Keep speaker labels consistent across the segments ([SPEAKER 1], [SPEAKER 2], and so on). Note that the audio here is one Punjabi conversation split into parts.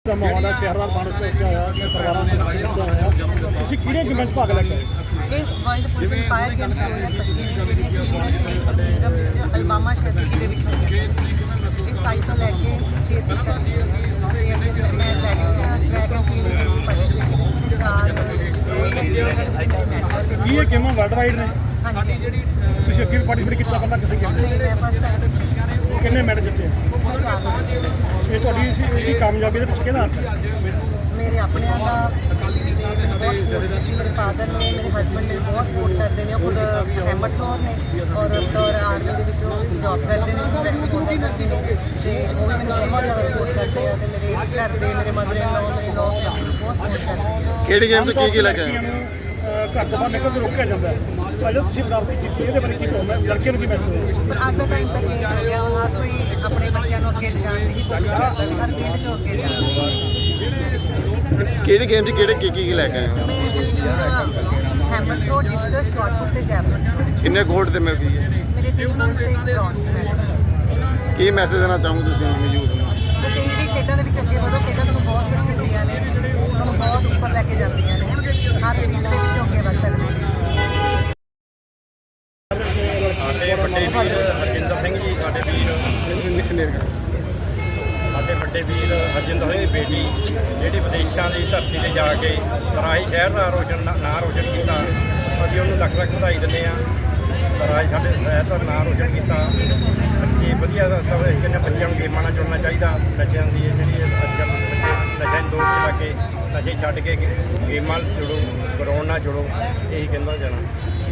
[SPEAKER 1] ਮਾਹੌਲ ਹੈ ਸ਼ਹਿਰ ਦਾ ਪਾਣੀ ਵਿੱਚ ਆਇਆ ਪਰਿਵਾਰਾਂ ਦੇ ਵਿੱਚ ਆਇਆ ਤੁਸੀਂ ਕਿਹੜੇ ਗੇਮਾਂ 'ਚ ਭਾਗ ਲੈ ਕੇ
[SPEAKER 2] ਇਹ ਵਰਲਡ ਫੁੱਟਬਾਲ ਫਾਇਰ ਗੇਮਸ 2025 ਨੇ ਜਿਹੜੀਆਂ ਕਿ ਅਲਮਾਮਾ ਸ਼ਹਿਰ ਦੇ ਵਿੱਚ ਹੋਈਆਂ ਇਸ ਸਾਈਟ ਤੋਂ ਲੈ ਕੇ 6 ਤੱਕ ਮੈਂ ਲੈਡਿਸ ਟਰੈਕ ਐਂਡ ਫੀਲਡ ਦੇ ਵਿੱਚ ਪਾਰਟਿਸਿਪੇਟ
[SPEAKER 1] ਕੀ ਇਹ ਗੇਮਾਂ ਵਰਲਡ ਵਾਈਡ ਨੇ
[SPEAKER 2] ਹਾਂਜੀ
[SPEAKER 1] ਤੁਸੀਂ ਅੱਗੇ ਵੀ ਪਾਰਟਿਸਿਪੇਟ ਕੀਤਾ ਪਹਿਲਾਂ ਕਿਸੇ ਗੇਮ
[SPEAKER 2] ਮੈਂ ਫਸਟ ਟਾਈਮ
[SPEAKER 1] ਕਿੰਨੇ ਮੈਡਲ ਜਿੱਤੇ ਇਹ ਤੁਹਾਡੀ ਇਹਦੀ ਕਾਮਯਾਬੀ ਦੇ ਪਿੱਛੇ ਕਿਹਦਾ ਹੱਥ ਹੈ
[SPEAKER 2] ਮੇਰੇ ਆਪਣਿਆਂ ਦਾ ਮੇਰੇ ਫਾਦਰ ਨੇ ਮੇਰੇ ਹਸਬੈਂਡ ਨੇ ਬਹੁਤ ਸਪੋਰਟ ਕਰਦੇ ਨੇ ਉਹ ਖੁਦ ਹੈਮਟਲੋਰ ਨੇ ਔਰ ਆਰਮੀ ਦੇ ਵਿੱਚ ਜੌਬ ਕਰਦੇ ਨੇ ਕਰਦੇ ਨੇ ਤੇ ਉਹ ਵੀ ਮੈਨੂੰ ਬਹੁਤ ਜ਼ਿਆਦਾ ਸਪੋਰਟ ਕਰਦੇ ਆ ਤੇ ਮੇਰੇ ਘਰ ਦੇ ਮੇਰੇ ਮਦਰ ਇਨ ਲਾਅ ਮੇਰੇ ਲੋਕ ਬਹੁਤ ਸਪੋਰਟ ਕਰਦੇ
[SPEAKER 3] ਕਿਹੜੀ ਗੇਮ ਤੋਂ ਕੀ ਲੈ ਕੇ ਆਏ
[SPEAKER 1] ਘਰ ਤੋਂ ਬਾਹਰ ਨਿਕਲ ਕੇ ਰੋਕਿਆ ਜਾਂਦਾ ਹੈ ਅਜੇ ਤੁਸੀਂ ਪ੍ਰਾਪਤੀ ਕੀਤੀ ਇਹਦੇ ਬਾਰੇ ਕੀ ਕਹੋਗੇ ਲੜਕੀਆਂ ਨੂੰ ਕੀ ਮੈਸੇਜ ਹੈ
[SPEAKER 2] ਪਰ ਅੱਜ ਦਾ ਟਾਈਮ ਤਾਂ ਚੇਂਜ ਹੋ ਗਿਆ ਹੁਣ ਹਰ ਕੋਈ ਆਪਣੇ ਬੱਚਿਆਂ ਨੂੰ ਅੱਗੇ ਲਿਜਾਣ ਦੀ ਕੋਸ਼ਿਸ਼ ਕਰਦਾ ਵੀ ਹਰ ਫੀਲਡ 'ਚ ਅੱਗੇ ਜਾਣਾ
[SPEAKER 3] ਕਿਹੜੀ ਗੇਮ 'ਚ ਕਿਹੜੇ ਕੀ ਲੈ ਕੇ ਆਏ ਹੋ
[SPEAKER 2] hammer throw discus shot put ਤੇ ਜੈਵਲਿਨ
[SPEAKER 3] ਕਿੰਨੇ ਗੋਲਡ ਤੇ ਮੈਂ ਕੀ ਹੈ
[SPEAKER 2] ਮੇਰੇ 3 ਗੋਲਡ ਤੇ 1 ਬ੍ਰੌਂਜ਼ ਮੈਡਲ
[SPEAKER 3] ਕੀ ਮੈਸੇਜ ਦੇਣਾ ਚਾਹੂੰ ਤੁਸੀਂ ਯੂਥ ਨੂੰ
[SPEAKER 2] ਬਸ ਇਹ ਵੀ ਖੇਡਾਂ ਦੇ ਵਿੱਚ ਅੱਗੇ ਵਧੋ ਖੇਡਾਂ ਤੁਹਾਨੂੰ ਬਹੁਤ ਕੁਝ ਦਿੰਦੀਆਂ ਨੇ ਤੁਹਾਨੂੰ ਬਹੁਤ ਉੱਪਰ ਲੈ ਕੇ ਜਾਂਦੀਆਂ ਨੇ ਹਰ ਫੀਲਡ ਦੇ ਵਿੱਚ ਅੱਗੇ ਵਧ ਸਕਦੇ ਨੇ
[SPEAKER 4] ਸਾਡੇ ਵੱਡੇ ਵੀਰ ਹਰਜਿੰਦਰ ਸਿੰਘ ਜੀ ਸਾਡੇ ਵੀਰ ਸਾਡੇ ਵੱਡੇ ਵੀਰ ਹਰਜਿੰਦਰ ਸਿੰਘ ਦੀ ਬੇਟੀ ਜਿਹੜੀ ਵਿਦੇਸ਼ਾਂ ਦੀ ਧਰਤੀ 'ਤੇ ਜਾ ਕੇ ਰਾਜ ਸ਼ਹਿਰ ਦਾ ਨਾਂ ਰੋਸ਼ਨ ਕੀਤਾ ਅਸੀਂ ਉਹਨੂੰ ਲੱਖ ਲੱਖ ਵਧਾਈ ਦਿੰਦੇ ਹਾਂ ਰਾਜ ਸਾਡੇ ਸ਼ਹਿਰ ਦਾ ਨਾਂ ਰੋਸ਼ਨ ਕੀਤਾ ਬੱਚੇ ਵਧੀਆ ਸਭ ਕਹਿੰਦੇ ਬੱਚਿਆਂ ਨੂੰ ਗੇਮਾਂ ਨਾਲ ਜੁੜਨਾ ਚਾਹੀਦਾ ਨਸ਼ਿਆਂ ਦੀ ਜਿਹੜੀ ਅੱਜ ਕੱਲ੍ਹ ਬੱਚੇ ਨਸ਼ਿਆਂ ਨੂੰ ਦੂਰ ਲਾ ਕੇ ਨਸ਼ੇ ਛੱਡ ਕੇ ਗੇਮਾਂ ਨਾਲ ਜੁੜੋ ਗਰਾਊਂਡ ਨਾਲ ਜੁੜੋ ਇਹੀ ਕਹਿੰਦਾ ਜਾਣਾ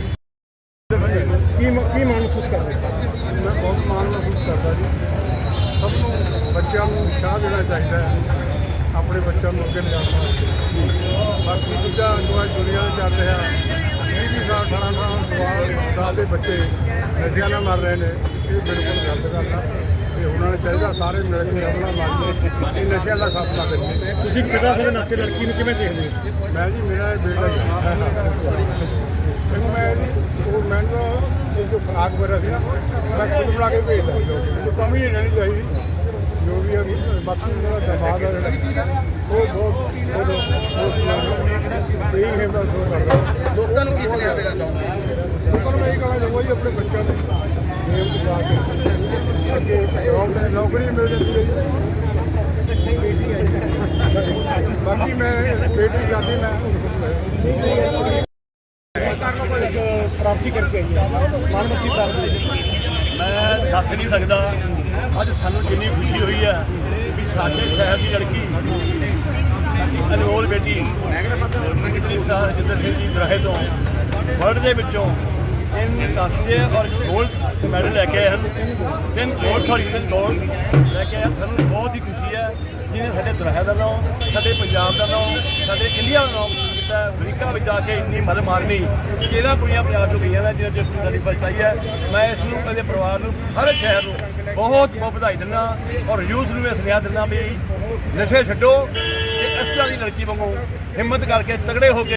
[SPEAKER 1] ਕੀ ਮਾਣ ਮਹਿਸੂਸ ਕਰਦੇ
[SPEAKER 5] ਮੈਂ ਬਹੁਤ ਮਾਣ ਮਹਿਸੂਸ ਕਰਦਾ ਜੀ ਸਭ ਨੂੰ ਬੱਚਿਆਂ ਨੂੰ ਉਤਸ਼ਾਹ ਦੇਣਾ ਚਾਹੀਦਾ ਹੈ ਆਪਣੇ ਬੱਚਿਆਂ ਨੂੰ ਅੱਗੇ ਲਿਜਾਣਾ ਵਾਸਤੇ ਬਾਕੀ ਦੂਜਾ ਜੋ ਅੱਜ ਦੁਨੀਆ ਵਿੱਚ ਚੱਲ ਰਿਹਾ 20 ਸਾਲ 18 ਸਾਲ ਦੇ ਬੱਚੇ ਨਸ਼ਿਆਂ ਨਾਲ ਮਰ ਰਹੇ ਨੇ ਇਹ ਬਿਲਕੁਲ ਗਲਤ ਗੱਲ ਆ ਤੇ ਉਹਨਾਂ ਨੂੰ ਚਾਹੀਦਾ ਸਾਰੇ ਮਿਲ ਕੇ ਆਪਣਾ ਮਨ ਇਹ ਨਸ਼ਿਆਂ ਦਾ ਖਾਤਮਾ ਕਰੀਏ
[SPEAKER 1] ਤੁਸੀਂ ਪਿਤਾ ਦੇ ਨਾਤੇ ਲੜਕੀ ਨੂੰ ਕਿਵੇਂ ਦੇਖਦੇ ਹੋ
[SPEAKER 5] ਮੈਂ ਜੀ ਮੇਰਾ ਇਹ ਬੇਟਾ ਮੈਨੂੰ ਮੈਂ ਜੀ ਉਹ ਮੈਨੂੰ ਜੋ ਖਰਾਕ ਵਗੈਰਾ ਸੀ ਨਾ ਮੈਂ ਖੁਦ ਬਣਾ ਕੇ ਭੇਜਦਾ ਕੋਈ ਕਮੀ ਨਹੀਂ ਰਹਿਣੀ ਚਾਹੀਦੀ ਜੋ ਵੀ ਹੈ ਬਾਕੀ ਮੇਰਾ ਦਿਮਾਗ ਹੈ ਜਿਹੜਾ ਉਹ ਬਹੁਤ ਇਹੀ ਹੈ ਦਾ ਸ਼ੋਅ ਕਰਦਾ
[SPEAKER 4] ਲੋਕਾਂ ਨੂੰ ਕੀ ਸੁਨੇਹਾ ਦੇਣਾ ਚਾਹੁੰਦੇ
[SPEAKER 5] ਲੋਕਾਂ ਨੂੰ ਮੈਂ ਇਹ ਕਹਿਣਾ ਚਾਹੁੰਦਾ ਜੀ ਆਪਣੇ ਬੱਚਿਆਂ ਨੂੰ ਗੇਮ ਚ ਪਾ ਕੇ ਅੱਗੇ ਜੌਬ ਦੀ ਨੌਕਰੀ ਮਿਲ ਜਾਂਦੀ ਹੈ ਜੀ ਬਾਕੀ ਮੈਂ ਬੇਟੀ ਜਾਂਦੀ ਮੈਂ
[SPEAKER 1] ਪ੍ਰਾਪਤੀ ਕਰਕੇ ਆਈ ਹੈ ਮਾਨਮੱਤੀ ਪ੍ਰਾਪਤੀ
[SPEAKER 6] ਮੈਂ ਦੱਸ ਨਹੀਂ ਸਕਦਾ ਅੱਜ ਸਾਨੂੰ ਜਿੰਨੀ ਖੁਸ਼ੀ ਹੋਈ ਹੈ ਵੀ ਸਾਡੇ ਸ਼ਹਿਰ ਦੀ ਲੜਕੀ ਅਨਮੋਲ ਬੇਟੀ ਜਿੰਦਰ ਸਿੰਘ ਜੀ ਦਰਾਹੇ ਤੋਂ ਵਰਲਡ ਦੇ ਵਿੱਚੋਂ 3 ਕਾਂਸੇ ਔਰ ਗੋਲਡ ਮੈਡਲ ਲੈ ਕੇ ਆਏ ਹਨ 3 ਗੋਲਡ ਲੈ ਕੇ ਆਏ ਸਾਨੂੰ ਬਹੁਤ ਹੀ ਖੁਸ਼ੀ ਹੈ ਜਿਹਨੇ ਸਾਡੇ ਦਰਾਹੇ ਦਾ ਨਾਮ ਸਾਡੇ ਪੰਜਾਬ ਦਾ ਨਾਮ ਸਾਡੇ ਇੰਡੀਆ ਦਾ ਨਾਮ ਕੀਤਾ ਅਮਰੀਕਾ ਵਿੱਚ ਜਾ ਕੇ ਇੰਨੀ ਮਦਦ ਮਾਰਨੀ ਜਿਹੜਾ ਕੁੜੀਆਂ ਪੰਜਾਬ ਤੋਂ ਗਈਆਂ ਨੇ ਜਿਹਨਾਂ 'ਚ ਸਾਡੀ ਫਸਟ ਆਈ ਹੈ ਮੈਂ ਇਸ ਨੂੰ ਕਦੇ ਪਰਿਵਾਰ ਨੂੰ ਸਾਰੇ ਸ਼ਹਿਰ ਨੂੰ ਬਹੁਤ ਬਹੁਤ ਵਧਾਈ ਦਿੰਦਾ ਔਰ ਯੂਥ ਨੂੰ ਇਹ ਸੁਨੇਹਾ ਦਿੰਦਾ ਵੀ ਨਸ਼ੇ ਛੱਡੋ ਤੇ ਇਸ ਤਰ੍ਹਾਂ ਦੀ ਲੜਕੀ ਵਾਂਗੂ ਹਿੰਮਤ ਕਰਕੇ ਤਗੜੇ ਹੋ ਕੇ